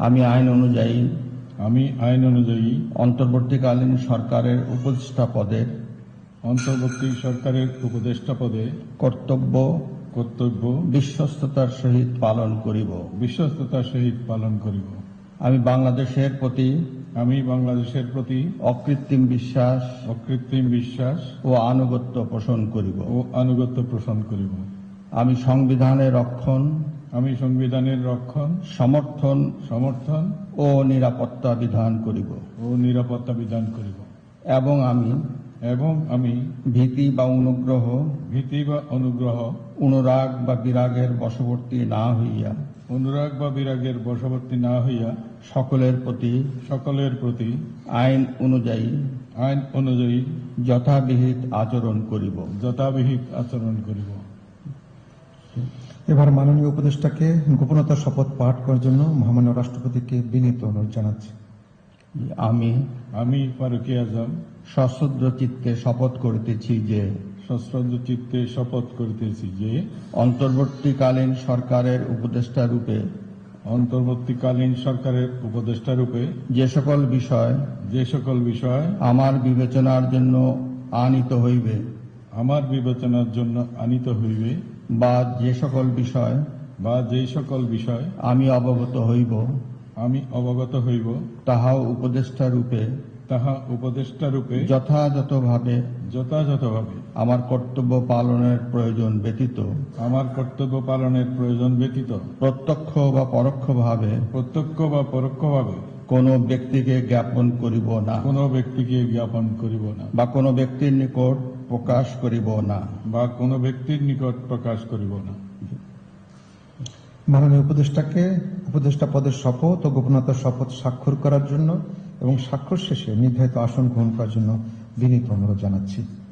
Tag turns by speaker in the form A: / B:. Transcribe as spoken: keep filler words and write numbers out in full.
A: আমি আইন অনুযায়ী
B: আমি আইন অনুযায়ী
A: অন্তর্বর্তীকালীন সরকারের উপদেষ্টা পদে
B: অন্তর্বর্তী সরকারের উপদেষ্টা পদে
A: কর্তব্য
B: কর্তব্য
A: বিশ্বস্ততার সহিত পালন করিব।
B: বিশ্বস্ততার সহিত পালন করিব।
A: আমি বাংলাদেশের প্রতি
B: আমি বাংলাদেশের প্রতি
A: অকৃত্রিম বিশ্বাস
B: অকৃত্রিম বিশ্বাস
A: ও আনুগত্য পোষণ করিব।
B: ও আনুগত্য পোষণ করিব।
A: আমি সংবিধানের রক্ষণ,
B: আমি সংবিধানের রক্ষণ,
A: সমর্থন
B: সমর্থন
A: ও নিরাপত্তা বিধান করিব
B: ও নিরাপত্তা বিধান করিব
A: এবং আমি
B: এবং আমি
A: ভীতি বা অনুগ্রহ,
B: ভীতি বা অনুগ্রহ,
A: অনুরাগ বা বিরাগের বশবর্তী না হইয়া
B: অনুরাগ বা বিরাগের বশবর্তী না হইয়া
A: সকলের প্রতি
B: সকলের প্রতি
A: আইন অনুযায়ী
B: আইন অনুযায়ী
A: যথাবিহিত আচরণ করিব।
B: যথাবিহিত আচরণ করিব।
C: এবার মাননীয় উপদেষ্টাকে গোপনতার শপথ পাঠ করার জন্য মহামান্য রাষ্ট্রপতিকে বিনীত অনুরোধ জানাচ্ছি।
A: আমি
B: আমি ফারুকী আজম
A: সশ্রদ্ধ চিত্তে শপথ করিতেছি যে
B: সশ্রদ্ধ চিত্তে শপথ করিতেছি যে
A: অন্তর্বর্তীকালীন সরকারের উপদেষ্টা রূপে
B: অন্তর্বর্তীকালীন সরকারের উপদেষ্টা রূপে
A: যে সকল বিষয়
B: যে সকল বিষয়
A: আমার বিবেচনার জন্য আনিত হইবে
B: আমার বিবেচনার জন্য আনিত হইবে
A: বা যে সকল বিষয়
B: বা যে সকল বিষয়
A: আমি অবগত হইব
B: আমি অবগত হইব
A: তাহাও উপদেষ্টা রূপে
B: তাহা উপদেষ্টা রূপে
A: যথাযথভাবে
B: যথাযথভাবে
A: আমার কর্তব্য পালনের প্রয়োজন ব্যতীত
B: আমার কর্তব্য পালনের প্রয়োজন ব্যতীত
A: প্রত্যক্ষ বা পরোক্ষভাবে
B: প্রত্যক্ষ বা পরোক্ষভাবে
A: কোন ব্যক্তিকে জ্ঞাপন করিব না
B: কোন ব্যক্তিকে জ্ঞাপন করিব না
A: বা কোন ব্যক্তির নিকট প্রকাশ করিব না
B: বা কোন ব্যক্তির নিকট প্রকাশ করিব না।
C: মাননীয় উপদেষ্টাকে উপদেষ্টা পদের শপথ ও গোপনতার শপথ স্বাক্ষর করার জন্য এবং স্বাক্ষর শেষে নির্ধারিত আসন গ্রহণ করার জন্য বিনীত অনুরোধ জানাচ্ছি।